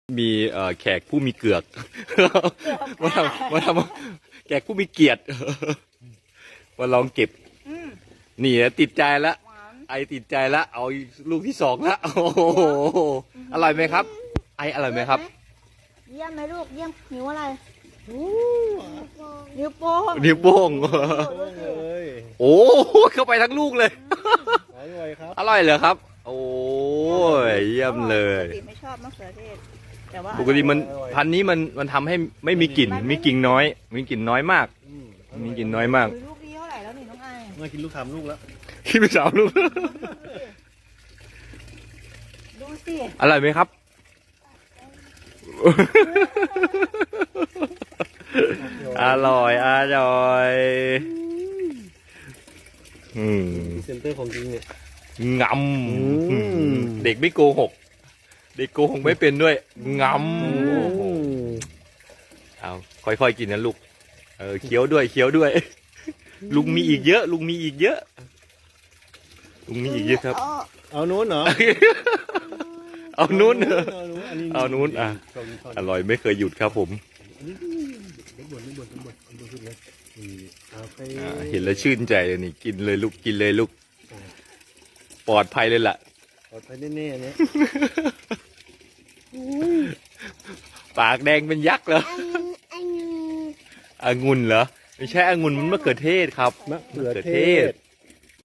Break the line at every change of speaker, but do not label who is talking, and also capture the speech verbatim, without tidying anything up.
มีเอ่อแขกผู้มีเกือกมาทำมาทำแขกผู้มีเกียรติมาลองเก็บนี่นะติดใจละไอติดใจละเอาลูกที่สองละโอ้โหอร่อยไหมครับ ไออร่อยไหมครับ
เยี่ยมไหมลูกเยี่ยมนิ้วอะไรนิ้วโป้ง
นิ้วโป้ง
เลย
โอ้เข้าไปทั้งลูกเลย
อร่อยครับ
อร่อยเหรอครับ โอ้ยเยี่ยมเลย
ปกติไม่ชอบมะเขือเทศแต่ว่า
ปกติมันพันธุ์นี้มันมันทำให้ไม่มีกลิ่นมีกลิ่นน้อย มีกลิ่นน้อยมาก
อืม
มีกลิ่นน้อยมาก
ลูกนี้เท่าไหร่แล้วนี่น้องไอ
มากินลูกทำลูกแล้ว
คิดไปสามลูก
ดูสิ
อร่อยไหมครับ อร่อยอร่อยอืม
เซนเตอร์ของจริงเนี่ย
ง
อืม
ำเด็กไม่โกหก เด็กโกหกไม่เป็นด้วยงำโอ้โหเอาค่อยๆกินนะลูกเออเคี้ยวด้วยเคี้ยวด้วย ลุงมีอีกเยอะ ลุงมีอีกเยอะ ลุงมีอีกเยอะครับ
เอานู้นเหรอ
เอานู้น
เอานู้นอันนี้
เอานู้นอ่ะ
ชมชม
อร่อยไม่เคยหยุดครับผม
อันนี้เด็กบ่นเด็กบ่นเด็กบ่นเด็กบ่นสุดเลยนี่เอาไป
อ่าเห็นแล้วชื่นใจเลยนี่กินเลยลูกกินเลยลูกปลอดภัยเลยล่ะ
ปลอดภัยแน่ๆเนี่ย
ปากแดงเป็นยักษ์เหรอองุ่นเหรอไม่ใช่องุ่นมันมะเขือเทศครับ
มะเขือเทศ